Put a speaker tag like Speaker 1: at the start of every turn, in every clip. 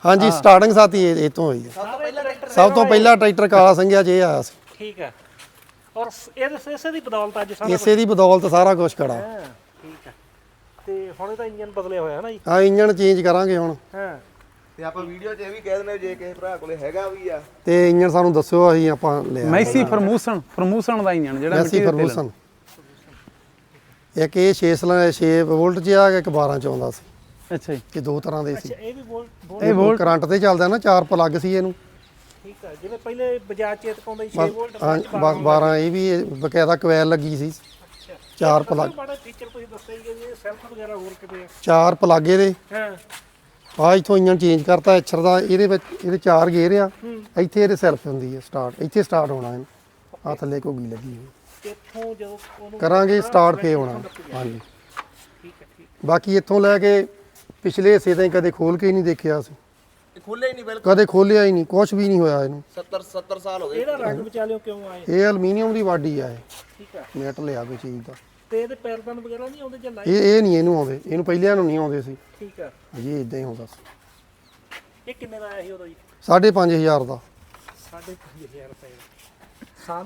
Speaker 1: ਹਾਂਜੀ ਸਟਾਰਟਿੰਗ ਸਾਥੀ ਇਹ ਤੋਂ ਹੋਈ ਹੈ। ਸਭ ਤੋਂ ਪਹਿਲਾਂ ਟਰੈਕਟਰ ਕਾਲਾ ਸੰਘਿਆ 'ਚ ਇਹ ਆਇਆ ਸੀ।
Speaker 2: ਠੀਕ ਹੈ। ਔਰ ਇਸੇ ਦੀ ਬਦੌਲਤ ਅੱਜ ਸਾਰਾ
Speaker 1: ਇਸੇ ਦੀ ਬਦੌਲਤ ਸਾਰਾ ਕੁਝ ਖੜਾ।
Speaker 2: ਠੀਕ ਹੈ। ਤੇ ਹੁਣ ਇਹਦਾ ਇੰਜਨ ਬਦਲਿਆ ਹੋਇਆ ਹੈ ਨਾ ਜੀ।
Speaker 1: ਹਾਂ ਇੰਜਨ ਚੇਂਜ ਕਰਾਂਗੇ ਹੁਣ।
Speaker 2: ਹਾਂ
Speaker 3: ਤੇ ਆਪਾਂ ਵੀਡੀਓ 'ਚ ਇਹ ਵੀ ਕਹਿ ਦਿੰਦੇ ਜੇ ਕਿਸੇ ਭਰਾ ਕੋਲੇ ਹੈਗਾ ਵੀ ਆ
Speaker 1: ਤੇ ਇੰਜਨ ਸਾਨੂੰ ਦੱਸਿਓ ਅਸੀਂ ਆਪਾਂ ਲਿਆ
Speaker 4: ਮੈਸੀ ਫਰਮੂਸਨ ਦਾ ਇੰਜਨ ਜਿਹੜਾ
Speaker 1: ਮੈਸੀ ਫਰਗੂਸਨ। ਇੱਕ ਇਹ 6 ਵੋਲਟ 'ਚ ਆ ਇੱਕ 12 'ਚ ਆਉਂਦਾ ਸੀ।
Speaker 4: ਅੱਛਾ ਜੀ।
Speaker 1: ਇਹ ਦੋ ਤਰ੍ਹਾਂ ਦੇ ਸੀ।
Speaker 2: ਇਹ ਵੀ
Speaker 1: ਇਹ ਵੋਲਟ ਕਰੰਟ ਤੇ ਚੱਲਦਾ ਨਾ 4 ਪਲੱਗ ਸੀ ਇਹਨੂੰ।
Speaker 2: ਠੀਕ ਹੈ। ਜਿਵੇਂ ਪਹਿਲੇ ਬਜਾਜ ਚੇਤਕ ਆਉਂਦਾ 6 ਵੋਲਟ
Speaker 1: ਹਾਂ ਬਸ 12 ਇਹ ਵੀ ਬਕਾਇਦਾ ਕੋਇਲ ਲੱਗੀ ਸੀ। 4 ਪਲੱਗ
Speaker 2: ਬੜਾ ਫੀਚਰ ਤੁਸੀਂ ਦੱਸਿਆ ਜੀ ਇਹ ਸੈਲਫ ਵਗੈਰਾ ਹੋਰ ਕਿਤੇ ਆ।
Speaker 1: 4 ਪਲੱਗ ਇਹਦੇ।
Speaker 2: ਹਾਂ
Speaker 1: ਆ ਇੱਥੋਂ ਇੰਜਨ ਚੇਂਜ ਕਰਤਾ ਐਚਰ ਦਾ। ਇਹਦੇ ਵਿੱਚ ਇਹਦੇ 4 ਗੇਅਰ ਆ। ਇੱਥੇ ਇਹਦੇ ਸੈਲਫ ਹੁੰਦੀ ਹੈ ਸਟਾਰਟ। ਇੱਥੇ ਸਟਾਰਟ ਹੋਣਾ ਇਹਨੂੰ। ਆ ਥੱਲੇ ਘੁੱਗੀ ਲੱਗੀ ਹੋਈ।
Speaker 2: ਇੱਥੋਂ ਜਦੋਂ ਉਹਨੂੰ
Speaker 1: ਕਰਾਂਗੇ ਸਟਾਰਟ ਫੇ ਹੋਣਾ। ਹਾਂਜੀ
Speaker 2: ਠੀਕ ਹੈ ਠੀਕ।
Speaker 1: ਬਾਕੀ ਇੱਥੋਂ ਲੈ ਕੇ ਪਿਛਲੇ ਹਿੱਸੇ ਤਾਂ ਕਦੇ ਖੋਲ ਕੇ ਹੀ ਨਹੀਂ ਦੇਖਿਆ ਅਸੀਂ।
Speaker 3: ਇਹ ਖੁੱਲੇ ਹੀ ਨਹੀਂ ਬਿਲਕੁਲ
Speaker 1: ਕਦੇ ਖੋਲਿਆ ਹੀ ਨਹੀਂ। ਕੁਝ ਵੀ ਨਹੀਂ ਹੋਇਆ ਇਹਨੂੰ।
Speaker 3: 70 ਸਾਲ ਹੋ ਗਏ
Speaker 2: ਇਹਦਾ ਰੰਗ ਵਿਚਾਲਿਓ ਕਿਉਂ ਆਏ?
Speaker 1: ਇਹ ਐਲੂਮੀਨੀਅਮ ਦੀ ਬਾਡੀ ਆ ਇਹ।
Speaker 2: ਠੀਕ ਹੈ।
Speaker 1: ਮੈਟ ਲਿਆ ਕੋਈ ਚੀਜ਼ ਦਾ।
Speaker 2: ਤੇ ਇਹਦੇ ਪੈਰਦਾਨ ਵਗੈਰਾ ਨਹੀਂ ਆਉਂਦੇ ਜਾਂ ਲਾਈਟ?
Speaker 1: ਇਹ ਨਹੀਂ ਇਹਨੂੰ ਆਉਂਦੇ। ਇਹਨੂੰ ਪਹਿਲਿਆਂ ਨੂੰ ਨਹੀਂ ਆਉਂਦੇ ਸੀ।
Speaker 2: ਠੀਕ ਹੈ।
Speaker 1: ਜੀ ਇਦਾਂ ਹੀ ਹੁੰਦਾ ਸੀ।
Speaker 2: ਇਹ ਕਿੰਨੇ ਦਾ ਆਇਆ ਸੀ ਉਦੋਂ ਜੀ?
Speaker 1: 5,500 ਦਾ।
Speaker 2: 5,500 ਰੁਪਏ ਦਾ।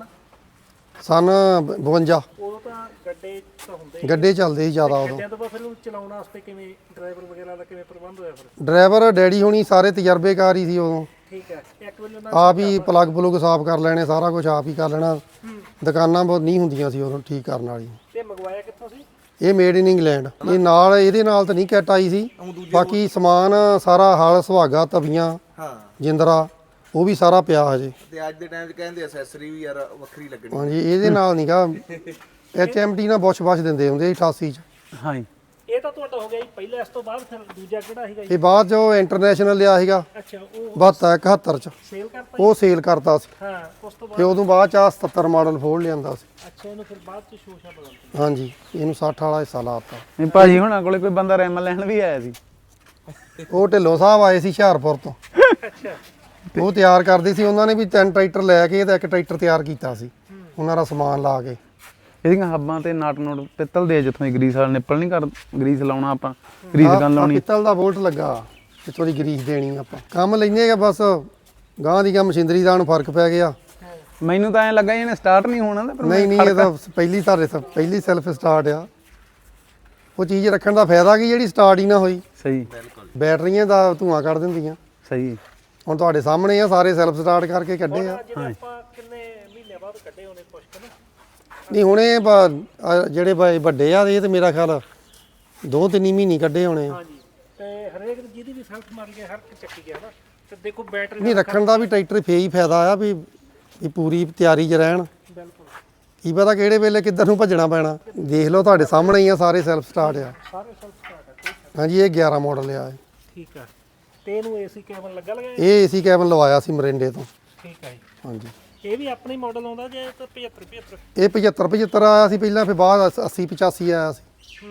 Speaker 1: ਸਨ 52।
Speaker 2: ਉਦੋਂ ਤਾਂ ਗੱਡੇ ਤਾਂ ਹੁੰਦੇ
Speaker 1: ਗੱਡੇ ਚੱਲਦੇ ਸੀ ਜ਼ਿਆਦਾ ਉਦੋਂ।
Speaker 2: ਗੱਡਿਆਂ ਤੋਂ ਬਾਅਦ ਫਿਰ ਉਹਨੂੰ ਚਲਾਉਣ ਵਾਸਤੇ ਕਿਵੇਂ ਡਰਾਈਵਰ ਵਗੈਰਾ ਦਾ ਕਿਵੇਂ ਪ੍ਰਬੰਧ ਹੋਇਆ ਫਿਰ?
Speaker 1: ਡਰਾਈਵਰ ਡੈਡੀ ਹੋਣੀ ਸਾਰੇ ਤਜਰਬੇਕਾਰ ਹੀ ਸੀ ਉਦੋਂ।
Speaker 2: ਠੀਕ ਹੈ। ਇੱਕ ਵਾਰੀ ਉਹਨਾਂ
Speaker 1: ਆਪ ਹੀ ਪਲੱਗ ਪਲੁੱਗ ਸਾਫ਼ ਕਰ ਲੈਣੇ ਸਾਰਾ ਕੁਝ ਆਪ ਹੀ ਕਰ ਲੈਣਾ। ਦੁਕਾਨਾਂ ਬਹੁਤ ਨਹੀਂ ਹੁੰਦੀਆਂ ਸੀ ਉਦੋਂ ਠੀਕ ਕਰਨ ਵਾਲੀ।
Speaker 2: ਤੇ ਮੰਗਵਾਇਆ ਕਿੱਥੋਂ ਸੀ?
Speaker 1: ਇਹ ਮੇਡ ਇਨ ਇੰਗਲੈਂਡ। ਇਹ ਨਾਲ ਇਹਦੇ ਨਾਲ ਤਾਂ ਨਹੀਂ ਕਿੱਟ ਆਈ ਸੀ। ਬਾਕੀ ਸਮਾਨ ਸਾਰਾ ਹਲ ਸੁਹਾਗਾ ਤਵੀਆਂ
Speaker 3: ਹਾਂ
Speaker 1: ਜਿੰਦਰਾ ਉਹ ਵੀ ਸਾਰਾ ਪਿਆ ਹਜੇ।
Speaker 3: ਤੇ ਅੱਜ ਦੇ ਟਾਈਮ 'ਚ ਕਹਿੰਦੇ ਐਕਸੈਸਰੀ ਵੀ ਯਾਰ ਵੱਖਰੀ ਲੱਗਣੀ।
Speaker 1: ਹਾਂਜੀ ਇਹਦੇ ਨਾਲ ਨਹੀਂਗਾ HMT ਨਾਲ ਬੁਸ਼ ਦਿੰਦੇ ਹੁੰਦੇ ਸੀ 88 ਚ।
Speaker 4: ਹਾਂ ਜੀ।
Speaker 2: ਇਹ ਤਾਂ ਤੁਹਾਡਾ ਹੋ ਗਿਆ ਜੀ ਪਹਿਲਾਂ। ਇਸ ਤੋਂ ਬਾਅਦ ਫਿਰ ਦੂਜਾ ਕਿਹੜਾ ਸੀਗਾ ਜੀ?
Speaker 1: ਇਹ ਬਾਅਦ ਜੋ ਇੰਟਰਨੈਸ਼ਨਲ ਲਿਆ ਸੀਗਾ
Speaker 2: ਅੱਛਾ ਉਹ
Speaker 1: 72 71 ਚ।
Speaker 2: ਸੇਲ ਕਰਤਾ?
Speaker 1: ਉਹ ਸੇਲ ਕਰਤਾ ਸੀ।
Speaker 2: ਹਾਂ ਉਸ ਤੋਂ
Speaker 1: ਤੇ
Speaker 2: ਬਾਅਦ
Speaker 1: ਉਦੋਂ ਬਾਅਦ ਚ ਆਹ 77 ਮਾਡਲ ਫੋੜ ਲਿਆਂਦਾ ਸੀ।
Speaker 2: ਅੱਛਾ ਇਹਨੂੰ ਫਿਰ ਬਾਅਦ ਚ ਸ਼ੋਸ਼ਾ ਬਦਲਤਾ?
Speaker 1: ਹਾਂਜੀ ਇਹਨੂੰ 60 ਵਾਲਾ ਹਿੱਸਾ ਲਾਤਾ।
Speaker 4: ਨਹੀਂ ਭਾਜੀ ਹੁਣਾਂ ਕੋਲੇ ਕੋਈ ਬੰਦਾ ਰੈਮ ਲੈਣ ਵੀ ਆਇਆ ਸੀ।
Speaker 1: ਉਹ ਢਿੱਲੋਂ ਸਾਹਿਬ ਆਏ ਸੀ ਹੁਸ਼ਿਆਰਪੁਰ ਤੋਂ।
Speaker 2: ਅੱਛਾ
Speaker 1: ਉਹ ਤਿਆਰ ਕਰਦੇ ਸੀ। ਉਹਨਾਂ ਨੇ ਵੀ 3 ਟਰੈਕਟਰ ਲੈ ਕੇ ਤੇ ਇੱਕ ਟਰੈਕਟਰ ਤਿਆਰ ਕੀਤਾ ਸੀ ਉਹਨਾਂ ਦਾ ਸਮਾਨ ਲਾ ਕੇ।
Speaker 4: ਇਹਦੀਆਂ ਹੱਬਾਂ ਤੇ ਨਾਟ ਨੋਟ ਪਿੱਤਲ ਦੇ ਜਿੱਥੋਂ ਗਰੀਸ ਵਾਲਾ ਨਿੱਪਲ ਨਹੀਂ ਕਰ ਗਰੀਸ ਲਾਉਣਾ ਆਪਾਂ ਗਰੀਸ ਗਨ ਲਾਉਣੀ।
Speaker 1: ਪਿੱਤਲ ਦਾ ਬੋਲਟ ਲੱਗਾ ਜਿੱਥੋਂ ਦੀ ਗਰੀਸ ਦੇਣੀ ਆਪਾਂ। ਕੰਮ ਲੈਨੇ ਆ ਬਸ ਗਾਂ ਦੀ ਕੰਮ ਮਸ਼ੀਨਰੀ ਦਾ ਨੂੰ ਫਰਕ ਪੈ ਗਿਆ।
Speaker 4: ਮੈਨੂੰ ਤਾਂ ਐਂ ਲੱਗਾ ਇਹਨੇ ਸਟਾਰਟ ਨਹੀਂ ਹੋਣਾ ਤੇ
Speaker 1: ਨਹੀਂ ਇਹ ਤਾਂ ਪਹਿਲੀ ਪਹਿਲੀ ਸੈਲਫ ਸਟਾਰਟ ਆ। ਉਹ ਚੀਜ਼ ਰੱਖਣ ਦਾ ਫਾਇਦਾ ਕੀ ਜਿਹੜੀ ਸਟਾਰਟ ਹੀ ਨਾ ਹੋਈ।
Speaker 4: ਸਹੀ
Speaker 1: ਬੈਟਰੀਆਂ ਦਾ ਧੂਆਂ ਕੱਢ ਦਿੰਦੀਆਂ।
Speaker 4: ਸਹੀ।
Speaker 1: ਹੁਣ ਤੁਹਾਡੇ ਸਾਹਮਣੇ ਆ ਸਾਰੇ ਸੈਲਫ ਸਟਾਰਟ ਕਰਕੇ ਕੱਢੇ ਆ।
Speaker 2: ਜਿਵੇਂ ਆਪਾਂ ਕਿੰਨੇ ਮਹੀਨੇ ਬਾਅਦ ਕੱਢੇ ਹੋਣੇ ਕੁਛ ਕੁ ਨਾ?
Speaker 1: ਨਹੀਂ ਹੁਣੇ ਜਿਹੜੇ ਵੱਡੇ ਆ ਇਹ ਤੇ ਮੇਰਾ ਖਿਆਲ 2-3 ਮਹੀਨੇ ਕੱਢੇ ਹੋਣੇ ਆ।
Speaker 2: ਹਾਂਜੀ। ਤੇ ਹਰੇਕ ਜਿਹਦੀ ਵੀ ਸੈਲਫ ਮਾਰ ਗਿਆ ਹਰ ਇੱਕ ਚੱਕੀ ਗਿਆ ਨਾ। ਤੇ ਦੇਖੋ ਬੈਟਰੀ
Speaker 1: ਨਹੀਂ ਰੱਖਣ ਦਾ ਵੀ ਟਰੈਕਟਰ ਫੇਰ ਹੀ ਫਾਇਦਾ ਆ ਵੀ ਪੂਰੀ ਤਿਆਰੀ 'ਚ ਰਹਿਣ।
Speaker 2: ਬਿਲਕੁਲ
Speaker 1: ਕੀ ਪਤਾ ਕਿਹੜੇ ਵੇਲੇ ਕਿੱਧਰ ਨੂੰ ਭੱਜਣਾ ਪੈਣਾ। ਦੇਖ ਲਓ ਤੁਹਾਡੇ ਸਾਹਮਣੇ ਹੀ ਆ ਸਾਰੇ ਸੈਲਫ ਸਟਾਰਟ ਆ।
Speaker 2: ਸਾਰੇ ਸੈਲਫ ਸਟਾਰਟ ਹੈ।
Speaker 1: ਹਾਂਜੀ ਇਹ 11 ਮਾਡਲ ਆ ਇਹ।
Speaker 2: ਠੀਕ ਹੈ। ਤੇ ਇਹਨੂੰ ਏਸੀ ਕੈਬਨ ਲੱਗਾ ਲਗਾਇਆ?
Speaker 1: ਇਹ ਏਸੀ ਕੈਬਨ ਲਵਾਇਆ ਸੀ ਮਰਿੰਡੇ ਤੋਂ।
Speaker 2: ਠੀਕ ਹੈ ਜੀ।
Speaker 1: ਹਾਂਜੀ
Speaker 2: ਇਹ ਵੀ ਆਪਣਾ ਹੀ ਮਾਡਲ ਆਉਂਦਾ ਜੇ ਤਾਂ 75
Speaker 1: ਇਹ 75 ਆਇਆ ਸੀ ਪਹਿਲਾਂ, ਫਿਰ ਬਾਅਦ 80 85 ਆਇਆ ਸੀ।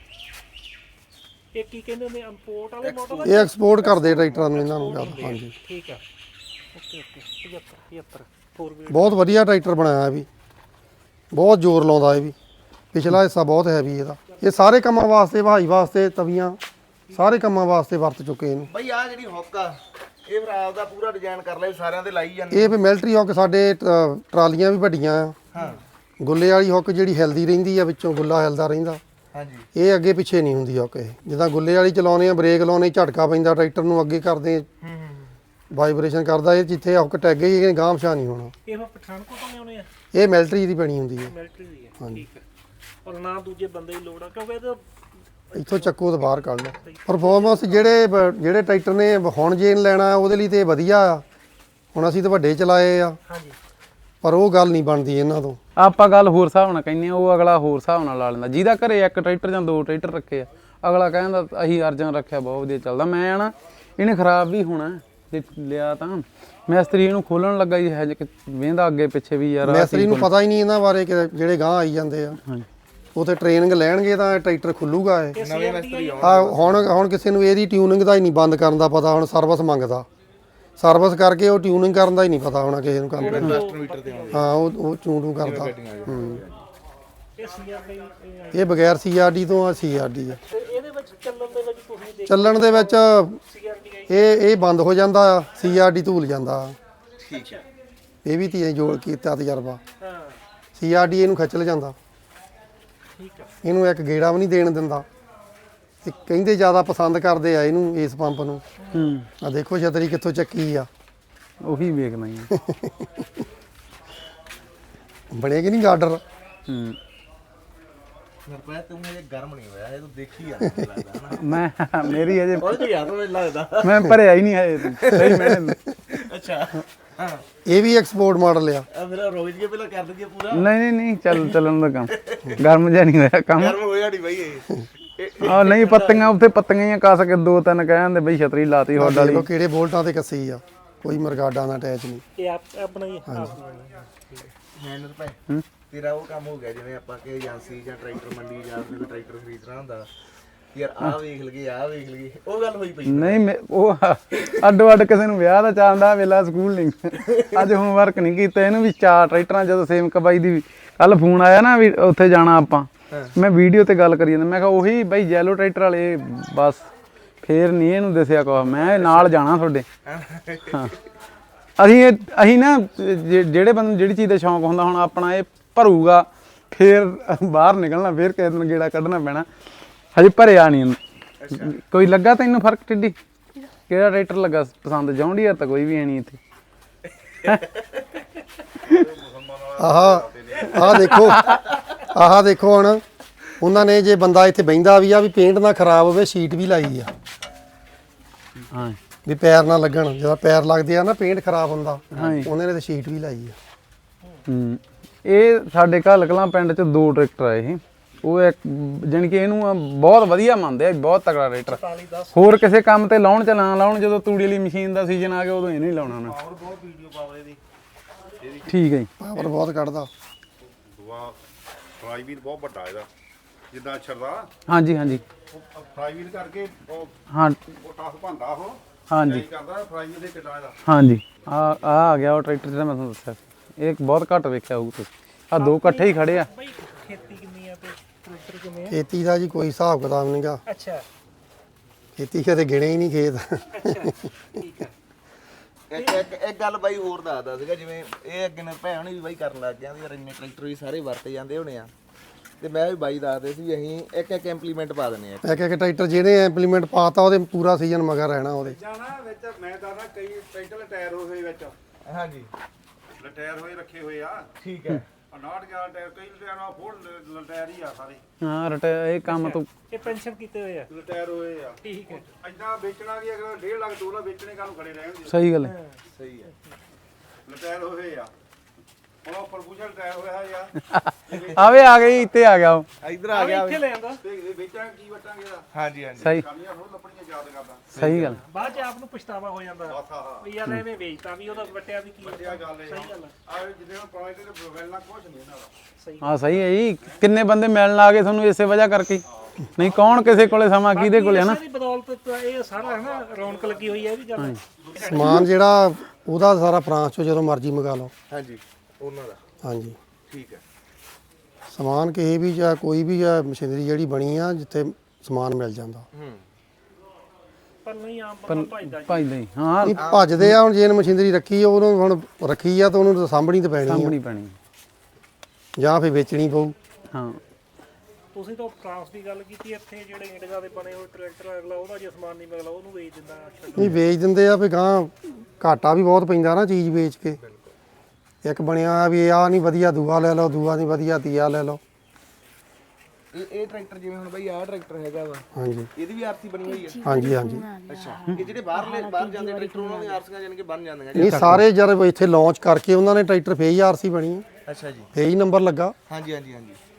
Speaker 2: ਇਹ ਕੀ ਕਹਿੰਦੇ ਨੇ ਇੰਪੋਰਟ ਵਾਲੇ ਮਾਡਲ?
Speaker 1: ਇਹ ਐਕਸਪੋਰਟ ਕਰਦੇ ਟਰੈਕਟਰਾਂ ਨੂੰ ਇਹਨਾਂ ਨੂੰ ਜ਼ਿਆਦਾ। ਹਾਂਜੀ
Speaker 2: ਠੀਕ ਹੈ। Okay 75 4 wheel.
Speaker 1: ਬਹੁਤ ਵਧੀਆ ਟਰੈਕਟਰ ਬਣਾਇਆ ਇਹ ਵੀ। ਬਹੁਤ ਜ਼ੋਰ ਲਾਉਂਦਾ ਇਹ ਵੀ। ਪਿਛਲਾ ਹਿੱਸਾ ਬਹੁਤ ਹੈਵੀ ਇਹਦਾ। ਇਹ ਸਾਰੇ ਕੰਮਾਂ ਵਾਸਤੇ ਵਹਾਈ ਵਾਸਤੇ ਤਵੀਆਂ ਸਾਰੇ ਕੰਮਾਂ ਵਾਸਤੇ ਵਰਤ ਚੁੱਕੇ ਇਹਨੂੰ।
Speaker 3: ਬਈ ਆ ਜਿਹੜੀ ਹੁੱਕ ਆ ਇਹ ਫਿਰ ਆਪਦਾ ਪੂਰਾ ਡਿਜ਼ਾਈਨ ਕਰ ਲਿਆ ਸਾਰਿਆਂ ਦੇ ਲਾਈ ਜਾਂਦੇ।
Speaker 1: ਇਹ ਵੀ ਮਿਲਟਰੀ ਹੁੱਕ ਸਾਡੇ ਟਰਾਲੀਆਂ ਵੀ ਵੱਡੀਆਂ ਆ।
Speaker 3: ਹਾਂ
Speaker 1: ਗੁੱਲੇ ਵਾਲੀ ਹੁੱਕ ਜਿਹੜੀ ਹਿਲਦੀ ਰਹਿੰਦੀ ਆ ਵਿੱਚੋਂ ਗੁੱਲਾ ਹਿਲਦਾ ਰਹਿੰਦਾ।
Speaker 3: ਹਾਂਜੀ
Speaker 1: ਇਹ ਅੱਗੇ ਪਿੱਛੇ ਨਹੀਂ ਹੁੰਦੀ ਹੁੱਕ। ਇਹ ਜਿੱਦਾਂ ਗੁੱਲੇ ਵਾਲੀ ਚਲਾਉਂਦੇ ਆ ਬ੍ਰੇਕ ਲਾਉਣੇ ਝਟਕਾ ਪੈਂਦਾ ਟਰੈਕਟਰ ਨੂੰ ਅੱਗੇ ਕਰਦੇ ਵਾਈਬ੍ਰੇਸ਼ਨ ਕਰਦਾ। ਇਹ ਜਿੱਥੇ ਹੁੱਕ ਟੈਗ ਗਈ ਗਾਂਹ ਪਛਾਣ ਨਹੀਂ ਹੋਣਾ।
Speaker 2: ਇਹ ਪਠਾਨਕੋਟ ਤੋਂ ਲਿਆਉਣੇ ਆ?
Speaker 1: ਇਹ ਮਿਲਟਰੀ ਦੀ ਬਣੀ ਹੁੰਦੀ ਹੈ।
Speaker 2: ਮਿਲਟਰੀ ਦੀ ਹੈ। ਠੀਕ ਹੈ। ਔਰ ਨਾ ਦੂਜੇ ਬੰਦੇ ਦੀ ਲੋੜ ਆ ਕਿਉਂਕਿ ਇਹਦਾ
Speaker 1: ਇੱਥੋਂ ਚੱਕੋ ਤੋਂ ਬਾਹਰ ਕੱਢ ਲਓ। ਪਰਫਾਰਮੈਂਸ ਜਿਹੜੇ ਟਰੈਕਟਰ ਨੇ ਹੁਣ ਜੇਨ ਲੈਣਾ ਉਹਦੇ ਲਈ ਤੇ ਵਧੀਆ ਆ। ਹੁਣ ਅਸੀਂ ਤਾਂ ਵੱਡੇ ਚਲਾਏ ਆ
Speaker 2: ਹਾਂਜੀ।
Speaker 1: ਪਰ ਉਹ ਗੱਲ ਨਹੀਂ ਬਣਦੀ ਇਹਨਾਂ ਤੋਂ।
Speaker 4: ਆਪਾਂ ਗੱਲ ਹੋਰ ਹਿਸਾਬ ਨਾਲ ਕਹਿੰਦੇ ਆ ਉਹ ਅਗਲਾ ਹੋਰ ਹਿਸਾਬ ਨਾਲ ਲਾ ਲੈਂਦਾ। ਜਿਹਦਾ ਘਰੇ ਇੱਕ ਟਰੈਕਟਰ ਜਾਂ 2 ਟਰੈਕਟਰ ਰੱਖੇ ਆ ਅਗਲਾ ਕਹਿੰਦਾ ਅਸੀਂ ਅਰਜਨ ਰੱਖਿਆ ਬਹੁਤ ਵਧੀਆ ਚੱਲਦਾ। ਮੈਂ ਨਾ ਇਹਨੇ ਖਰਾਬ ਵੀ ਹੋਣਾ ਜੇ ਲਿਆ ਤਾਂ ਮਿਸਤਰੀ ਇਹਨੂੰ ਖੋਲਣ ਲੱਗਾ ਜੀ ਹੈ ਵੇਂਦਾ ਅੱਗੇ ਪਿੱਛੇ ਵੀ ਯਾਰ
Speaker 1: ਮਿਸਤਰੀ ਨੂੰ ਪਤਾ ਹੀ ਨਹੀਂ ਇਹਨਾਂ ਬਾਰੇ ਕਿ ਜਿਹੜੇ ਗਾਂਹ ਆਈ ਜਾਂਦੇ ਆ।
Speaker 4: ਹਾਂਜੀ
Speaker 1: ਉਥੇ ਟ੍ਰੇਨਿੰਗ ਲੈਣਗੇ ਤਾਂ ਟਰੈਕਟਰ ਖੁੱਲੂਗਾ ਇਹ।
Speaker 3: ਨਵੇਂ ਮਿਸਤਰੀ
Speaker 1: ਹੁਣ ਕਿਸੇ ਨੂੰ ਇਹਦੀ ਟਿਊਨਿੰਗ ਦਾ ਹੀ ਨਹੀਂ ਬੰਦ ਕਰਨ ਦਾ ਪਤਾ। ਹੁਣ ਸਰਵਿਸ ਮੰਗਦਾ। ਸਰਵਿਸ ਕਰਕੇ ਉਹ ਟਿਊਨਿੰਗ ਕਰਨ ਦਾ ਹੀ ਨਹੀਂ ਪਤਾ ਹੋਣਾ ਕਿਸੇ ਨੂੰ ਕੰਮ।
Speaker 3: ਮੀਟਰ ਤੇ ਆਉਂਦੇ
Speaker 1: ਹਾਂ ਉਹ ਚੂੰ ਕਰਦਾ।
Speaker 2: ਇਹ ਸੀਆਰਡੀ
Speaker 1: ਇਹ ਬਗੈਰ CRD ਤੋਂ ਆ CRD ਆ।
Speaker 2: ਤੇ ਇਹਦੇ ਵਿੱਚ ਚੱਲਣ ਦੇ ਵਿੱਚ ਤੁਸੀਂ ਦੇਖ
Speaker 1: ਚੱਲਣ ਦੇ ਵਿੱਚ
Speaker 2: ਸੀਆਰਡੀ
Speaker 1: ਇਹ ਬੰਦ ਹੋ ਜਾਂਦਾ ਆ, CRD ਧੂਲ ਜਾਂਦਾ।
Speaker 3: ਠੀਕ ਹੈ।
Speaker 1: ਇਹ ਵੀ ਤੀ ਜੋੜ ਕੀਤਾ ਤਜਰਬਾ।
Speaker 2: ਹਾਂ
Speaker 1: CRD ਇਹਨੂੰ ਖਿੱਚ ਲ ਜਾਂਦਾ,
Speaker 2: ਠੀਕ ਹੈ।
Speaker 1: ਇਹਨੂੰ ਇੱਕ ਗੇੜਾ ਵੀ ਨਹੀਂ ਦੇਣ ਦਿੰਦਾ ਤੇ ਕਹਿੰਦੇ ਜ਼ਿਆਦਾ ਪਸੰਦ ਕਰਦੇ ਆ ਇਹਨੂੰ, ਇਸ ਪੰਪ ਨੂੰ। ਆ ਦੇਖੋ ਛਤਰੀ ਕਿੱਥੋਂ ਚੱਕੀ ਆ,
Speaker 4: ਉਹੀ ਵੇਖਣਾ ਹੀ ਆ।
Speaker 1: ਬਣੇਗੀ ਨਹੀਂ ਗਾਰਡਰ।
Speaker 3: ਸਰਪ੍ਰਾਈਜ਼ ਤੂੰ ਇਹ ਗਰਮ ਨਹੀਂ ਹੋਇਆ, ਇਹ ਤੂੰ ਦੇਖੀ ਆ ਲੱਗਦਾ ਹਨਾ।
Speaker 4: ਮੈਂ ਮੇਰੀ ਅਜੇ
Speaker 3: ਉਹ ਤੇ ਯਾਰ ਮੈਨੂੰ ਲੱਗਦਾ।
Speaker 4: ਮੈਂ ਭਰਿਆ ਹੀ ਨਹੀਂ ਹੈ ਸਹੀ ਮੈਨੇ।
Speaker 3: ਅੱਛਾ ਹਾਂ,
Speaker 1: ਇਹ ਵੀ ਐਕਸਪੋਰਟ ਮਾਡਲ ਆ।
Speaker 3: ਆ ਮੇਰਾ ਰੋਜ਼ ਕੇ ਪਹਿਲਾਂ ਕਰ ਦਈਏ ਪੂਰਾ।
Speaker 4: ਨਹੀਂ ਚੱਲਣ ਦਾ ਕੰਮ ਗਰਮ ਜਿਹਾ ਨਹੀਂ ਹੋਇਆ ਕੰਮ।
Speaker 3: ਗਰਮ ਹੋਇਆ ਨਹੀਂ ਬਾਈ ਇਹ।
Speaker 4: ਆ ਨਹੀਂ ਪੱਤੀਆਂ ਉੱਥੇ ਪੱਤੀਆਂ ਹੀ ਕੱਸ ਕੇ 2-3 ਕਹਿੰਦੇ ਬਈ ਛਤਰੀ ਲਾਤੀ ਹੌਡ ਵਾਲੀ।
Speaker 1: ਦੇਖੋ ਕਿਹੜੇ ਬੋਲਟਾਂ ਤੇ ਕੱਸੀ ਆ, ਕੋਈ ਮਰਗਾਡਾ ਨਾਲ ਅਟੈਚ ਨਹੀਂ।
Speaker 2: ਇਹ ਆਪਣਾ ਹੀ
Speaker 3: ਮੈਨੂੰ ਤਾਂ ਭਾਈ ਤੇਰਾ ਉਹ ਕੰਮ ਹੋ ਗਿਆ ਜਿਵੇਂ ਆਪਾਂ ਕਿ ਏਜੰਸੀ ਜਾਂ ਟਰੈਕਟਰ ਮੰਡੀ ਜਾਂ ਕੋਈ ਟਰੈਕਟਰ ਖਰੀਦਣਾ ਹੁੰਦਾ, ਯਾਰ ਆਹ ਵੇਖ ਲਈਏ ਆਹ ਵੇਖ ਲਈਏ, ਉਹ ਗੱਲ ਹੋਈ ਪਈ।
Speaker 4: ਨਹੀਂ ਉਹ ਅੱਡੋ ਅੱਡ ਕਿਸੇ ਨੂੰ ਵਿਆਹ ਦਾ ਚਾਹੁੰਦਾ ਵੇਲਾ ਸਕੂਲ ਨਹੀਂ। ਅੱਜ ਹੋਮਵਰਕ ਨਹੀਂ ਕੀਤਾ ਇਹਨੂੰ ਵੀ 4 ਟਰੈਕਟਰਾਂ। ਜਦੋਂ ਸੇਮਕ ਬਾਈ ਦੀ ਕੱਲ ਫੋਨ ਆਇਆ ਨਾ ਵੀ ਉੱਥੇ ਜਾਣਾ ਆਪਾਂ, ਮੈਂ ਵੀਡੀਓ ਤੇ ਗੱਲ ਕਰੀ ਜਾਂਦਾ, ਮੈਂ ਕਿਹਾ ਉਹੀ ਬਾਈ ਜੈਲੋ ਟਰੈਕਟਰ ਵਾਲੇ ਬਸ। ਫੇਰ ਨਹੀਂ ਇਹਨੂੰ ਦੱਸਿਆ ਕੁਛ, ਮੈਂ ਨਾਲ ਜਾਣਾ ਤੁਹਾਡੇ। ਹਾਂ ਅਸੀਂ ਨਾ ਜਿਹੜੇ ਬੰਦੇ ਨੂੰ ਜਿਹੜੀ ਚੀਜ਼ ਦਾ ਸ਼ੌਂਕ ਹੁੰਦਾ, ਹੁਣ ਆਪਣਾ ਇਹ ਭਰੂਗਾ ਫੇਰ ਬਾਹਰ ਨਿਕਲਣਾ, ਫੇਰ ਕਿਸੇ ਦਿਨ ਗੇੜਾ ਕੱਢਣਾ ਪੈਣਾ। ਹਜੇ ਭਰਿਆ ਨਹੀਂ। ਕੋਈ ਲੱਗਾ ਤੈਨੂੰ ਫਰਕ ਟਿੱਡੀ? ਕਿਹੜਾ ਟਰੈਕਟਰ ਲੱਗਾ ਪਸੰਦ? ਜੌਂਡੀਅਰ ਤਾਂ ਕੋਈ ਵੀ ਹੈ ਨਹੀਂ ਇੱਥੇ।
Speaker 1: ਆਹ ਦੇਖੋ ਹੁਣ ਉਹਨਾਂ ਨੇ ਜੇ ਬੰਦਾ ਇੱਥੇ ਬਹਿੰਦਾ ਵੀ ਆ ਵੀ ਪੇਂਟ ਨਾ ਖਰਾਬ ਹੋਵੇ, ਸ਼ੀਟ ਵੀ ਲਾਈ ਆ।
Speaker 4: ਹਾਂ
Speaker 1: ਵੀ ਪੈਰ ਨਾ ਲੱਗਣ, ਜਦੋਂ ਪੈਰ ਲੱਗਦੇ ਆ ਨਾ ਪੇਂਟ ਖਰਾਬ ਹੁੰਦਾ, ਉਹਨਾਂ ਨੇ ਤੇ ਸ਼ੀਟ ਵੀ ਲਾਈ ਆ।
Speaker 4: ਇਹ ਸਾਡੇ ਘੱਲ ਕਲਾਂ ਪਿੰਡ 'ਚ 2 ਟਰੈਕਟਰ ਆ ਇਹ। ਉਹ ਇੱਕ ਜਾਣੀ ਕਿ ਇਹਨੂੰ ਬਹੁਤ ਵਧੀਆ ਮੰਨਦੇ ਆ, ਬਹੁਤ ਤਕੜਾ ਟਰੈਕਟਰ। ਹੋਰ ਕਿਸੇ ਕੰਮ ਤੇ ਲਾਉਣ ਚ ਨਾ ਲਾਉਣ, ਜਦੋਂ ਤੂੜੀ ਵਾਲੀ ਮਸ਼ੀਨ ਦਾ ਸੀਜ਼ਨ ਆ ਗਿਆ ਉਦੋਂ ਇਹਨੂੰ ਹੀ ਲਾਉਣਾ ਉਹਨਾਂ।
Speaker 3: ਪਾਵਰ ਬਹੁਤ ਵੀਡੀਓ ਪਾਵਰ ਦੀ।
Speaker 4: ਠੀਕ ਹੈ ਜੀ।
Speaker 1: ਪਾਵਰ ਬਹੁਤ ਕੱਢਦਾ।
Speaker 5: ਫਰਾਈ ਵੀਲ ਬਹੁਤ ਵੱਡਾ ਇਹਦਾ, ਜਿੱਦਾਂ ਛਰਦਾ
Speaker 4: ਹਾਂਜੀ
Speaker 5: ਫਰਾਈ ਵੀਲ ਕਰਕੇ ਉਹ
Speaker 4: ਹਾਂ
Speaker 5: ਟਾਸ ਭੰਦਾ ਉਹ
Speaker 4: ਹਾਂਜੀ
Speaker 5: ਕਰਦਾ ਫਰਾਈ ਵੀਲ ਦੇ ਕਿੱਡਾ ਇਹਦਾ।
Speaker 4: ਹਾਂਜੀ ਆ ਗਿਆ ਉਹ ਟਰੈਕਟਰ ਜਿਹੜਾ ਮੈਂ ਤੁਹਾਨੂੰ ਦੱਸਿਆ ਸੀ। ਇਹ ਬਹੁਤ ਘੱਟ ਵੇਖਿਆ ਹੋਊ ਤੁਸੀਂ। ਆ 2 ਇਕੱਠੇ ਹੀ ਖੜੇ ਆ।
Speaker 2: ਬਈ ਖੇਤੀ ਕਿੰਨੀ ਆ ਤੇ ਟਰੈਕਟਰ ਕਿੰਨੇ ਆ?
Speaker 1: ਖੇਤੀ ਦਾ ਜੀ ਕੋਈ ਹਿਸਾਬ ਕਿਤਾਬ ਨਹੀਂਗਾ।
Speaker 2: ਅੱਛਾ
Speaker 1: ਖੇਤੀ ਕਦੇ ਗਿਣੇ ਹੀ ਨਹੀਂ ਖੇਤ।
Speaker 2: ਅੱਛਾ ਠੀਕ ਆ।
Speaker 3: ਇੱਕ ਗੱਲ ਬਾਈ ਹੋਰ ਦੱਸਦਾ ਸੀਗਾ, ਜਿਵੇਂ ਇਹ ਅੱਗੇ ਨੇ ਭੈਣ ਵੀ ਬਾਈ ਕਰਨ ਲੱਗ ਗਿਆ ਯਾਰ, ਇੰਨੇ ਟਰੈਕਟਰ ਵੀ ਸਾਰੇ ਵਰਤੇ ਜਾਂਦੇ ਹੋਣੇ ਆ, ਤੇ ਮੈਂ ਵੀ ਬਾਈ ਦੱਸਦੇ ਸੀ ਅਸੀਂ ਇੱਕ ਇੰਪਲੀਮੈਂਟ ਪਾ ਦਿੰਦੇ ਆ।
Speaker 1: ਇੱਕ ਟਰੈਕਟਰ ਜਿਹੜੇ ਇੰਪਲੀਮੈਂਟ ਪਾਤਾ ਉਹਦੇ ਪੂਰਾ ਸੀਜ਼ਨ ਮਗਰ ਰਹਿਣਾ ਉਹਦੇ।
Speaker 5: ਜਾਣਾ ਵਿੱਚ ਮੈਂ ਦੱਸਦਾ ਕਈ ਟਰੈਕਟਰ ਟਾਇਰ ਹੋਏ ਵਿੱਚ
Speaker 3: ਹਾਂਜੀ
Speaker 5: ਲਟਾਇਰ ਹੋਏ ਰੱਖੇ ਹੋਏ ਆ।
Speaker 3: ਠੀਕ ਹੈ।
Speaker 5: 59 ਟਾਇਰ ਕਈ ਲਟਾਇਰ ਆ, ਫੋਰ ਲਟਾਇਰ ਹੀ ਆ ਸਾਰੇ।
Speaker 4: ਹਾਂ ਇਹ ਕੰਮ ਤੋਂ
Speaker 2: ਇਹ ਪੈਨਸ਼ਨ ਕੀਤੇ ਹੋਏ ਆ।
Speaker 5: ਲਟਾਇਰ ਹੋਏ ਆ।
Speaker 2: ਠੀਕ ਹੈ।
Speaker 5: ਐਦਾਂ ਵੇਚਣਾ ਵੀ ਅਗਰ 1.5 ਲੱਖ 2 ਲੱਖ ਵੇਚਣੇ ਕਾਹਨੂੰ ਖੜੇ ਰਹਿਣਗੇ।
Speaker 4: ਸਹੀ ਗੱਲ ਹੈ।
Speaker 3: ਸਹੀ ਹੈ।
Speaker 5: ਲਟਾਇਰ ਹੋਏ ਆ, ਹੁਣ ਉਹ ਪ੍ਰਪੋਜ਼ਲ ਟਾਇਰ ਹੋਇਆ ਯਾਰ।
Speaker 4: ਆਵੇ ਆ ਗਈ, ਇੱਥੇ ਆ ਗਿਆ ਉਹ।
Speaker 3: ਇੱਧਰ ਆ ਗਿਆ
Speaker 2: ਇੱਥੇ ਲੈ ਆਂਦਾ।
Speaker 5: ਤੇ ਇਹ ਵੇਚਾਂਗੇ ਕੀ ਵਟਾਂਗੇ ਇਹਦਾ?
Speaker 3: ਹਾਂਜੀ ਹਾਂਜੀ
Speaker 4: ਸਹੀ
Speaker 5: ਕਾਨੀਆਂ ਹੋਰ ਲੱਭਣੀਆਂ ਯਾਦ ਕਰਦਾ।
Speaker 4: ਸਹੀ ਗੱਲ।
Speaker 2: ਬਾਅਦ ਚ ਆਪ ਨੂੰ ਪਛਤਾਵਾ ਹੋ ਜਾਂਦਾ
Speaker 5: ਬਸ ਆਹ
Speaker 2: ਵੀ ਯਾਰ ਐਵੇਂ ਵੇਚਤਾ ਵੀ ਉਹਦਾ ਵਟਿਆ ਵੀ ਕੀ
Speaker 5: ਵਧੀਆ ਗੱਲ ਹੈ।
Speaker 2: ਸਹੀ ਗੱਲ ਆ।
Speaker 5: ਆ ਜਿੱਦੇ ਹੁਣ ਪੁਰਾਣੇ ਤੇ ਮਿਲਣਾ ਕੁਝ ਨਹੀਂ ਇਹਨਾਂ ਦਾ।
Speaker 2: ਸਹੀ
Speaker 4: ਹਾਂ ਸਹੀ ਹੈ ਜੀ। ਕਿੰਨੇ ਬੰਦੇ ਮਿਲਣ ਆ ਗਏ ਤੁਹਾਨੂੰ ਇਸੇ ਵਜ੍ਹਾ ਕਰਕੇ। ਨਹੀਂ ਕੌਣ ਕਿਸੇ ਕੋਲੇ ਸਮਾਂ ਕਿਹਦੇ ਕੋਲੇ ਹੈ ਨਾ।
Speaker 2: ਇਸੇ ਦੀ ਬਦੌਲਤ ਤਾਂ ਇਹ ਸਾਰਾ ਹੈ ਨਾ ਰੌਣਕ ਲੱਗੀ ਹੋਈ ਹੈ ਇਹ ਵੀ ਗੱਲ।
Speaker 1: ਸਮਾਨ ਜਿਹੜਾ ਉਹਦਾ ਸਾਰਾ ਫਰਾਂਸ ਚੋਂ ਜਦੋਂ ਮਰਜ਼ੀ ਮੰਗਾ ਲਓ।
Speaker 3: ਹਾਂਜੀ ਉਹਨਾਂ ਦਾ।
Speaker 1: ਹਾਂਜੀ
Speaker 3: ਠੀਕ ਹੈ।
Speaker 1: ਸਮਾਨ ਕਿਸੇ ਵੀ ਜਾਂ ਕੋਈ ਵੀ ਜਾਂ ਮਸ਼ੀਨਰੀ ਜਿਹੜੀ ਬਣੀ ਆ ਜਿੱਥੇ ਸਮਾਨ ਮਿਲ ਜਾਂਦਾ।
Speaker 2: ਪਰ ਨਹੀਂ ਆਮ ਬੰਦਾ ਭਜਦਾ ਜੀ।
Speaker 4: ਭਾਈ ਨਹੀਂ ਹਾਂ
Speaker 1: ਨਹੀਂ ਭੱਜਦੇ ਆ। ਹੁਣ ਜੇ ਮਸ਼ੀਨਰੀ ਰੱਖੀ ਆ, ਉਹਨੂੰ ਹੁਣ ਰੱਖੀ ਆ ਤਾਂ ਉਹਨੂੰ ਤਾਂ ਸਾਂਭਣੀ ਤਾਂ ਪੈਣੀ ਆ,
Speaker 4: ਸਾਂਭਣੀ ਪੈਣੀ।
Speaker 1: ਜਾਂ ਫਿਰ ਵੇਚਣੀ ਪਊ।
Speaker 4: ਹਾਂ
Speaker 2: ਤੁਸੀਂ ਤਾਂ ਫਰਾਂਸ ਦੀ ਗੱਲ ਕੀਤੀ, ਇੱਥੇ ਜਿਹੜੇ ਇੰਡੀਆ ਦੇ ਬਣੇ ਹੋਏ ਟਰੈਕਟਰ ਅਗਲਾ ਉਹਦਾ ਜੇ ਸਮਾਨ ਨਹੀਂ ਮਿਲਦਾ ਉਹਨੂੰ ਵੇਚ ਦਿੰਦਾ।
Speaker 1: ਨਹੀਂ ਵੇਚ ਦਿੰਦੇ ਆ ਵੀ ਗਾਂ ਘਾਟਾ ਵੀ ਬਹੁਤ ਪੈਂਦਾ ਨਾ ਚੀਜ਼ ਵੇਚ ਕੇ। ਇੱਕ ਬਣਿਆ ਆ ਵੀ ਆਹ ਨਹੀਂ ਵਧੀਆ ਦੂਆ ਲੈ ਲਓ, ਦੂਆ ਨਹੀਂ ਵਧੀਆ ਤੀਆ ਲੈ ਲਓ।
Speaker 3: ਇਹ ਟਰੈਕਟਰ ਜਿਵੇਂ ਹੁਣ ਬਾਈ ਆਹ ਟਰੈਕਟਰ ਹੈਗਾ ਵਾ,
Speaker 1: ਹਾਂਜੀ
Speaker 3: ਇਹਦੀ ਵੀ ਆਰਸੀ ਬਣੀ ਹੋਈ ਹੈ।
Speaker 1: ਹਾਂਜੀ ਹਾਂਜੀ।
Speaker 3: ਅੱਛਾ ਇਹ ਜਿਹੜੇ ਬਾਹਰ ਜਾਂਦੇ ਟਰੈਕਟਰ ਉਹਨਾਂ ਦੀਆਂ ਆਰਸੀਆਂ ਜਾਨ ਕੇ ਬਣ ਜਾਂਦੀਆਂ।
Speaker 1: ਇਹ ਸਾਰੇ ਜਦ ਇੱਥੇ ਲਾਂਚ ਕਰਕੇ ਉਹਨਾਂ ਨੇ ਟਰੈਕਟਰ ਫੇਰ ਹੀ ਆਰਸੀ ਬਣੀ ਆ,
Speaker 3: ਅੱਛਾ ਜੀ।
Speaker 1: ਫੇਰ ਹੀ ਨੰਬਰ ਲੱਗਾ।
Speaker 3: ਹਾਂਜੀ ਹਾਂਜੀ ਹਾਂਜੀ।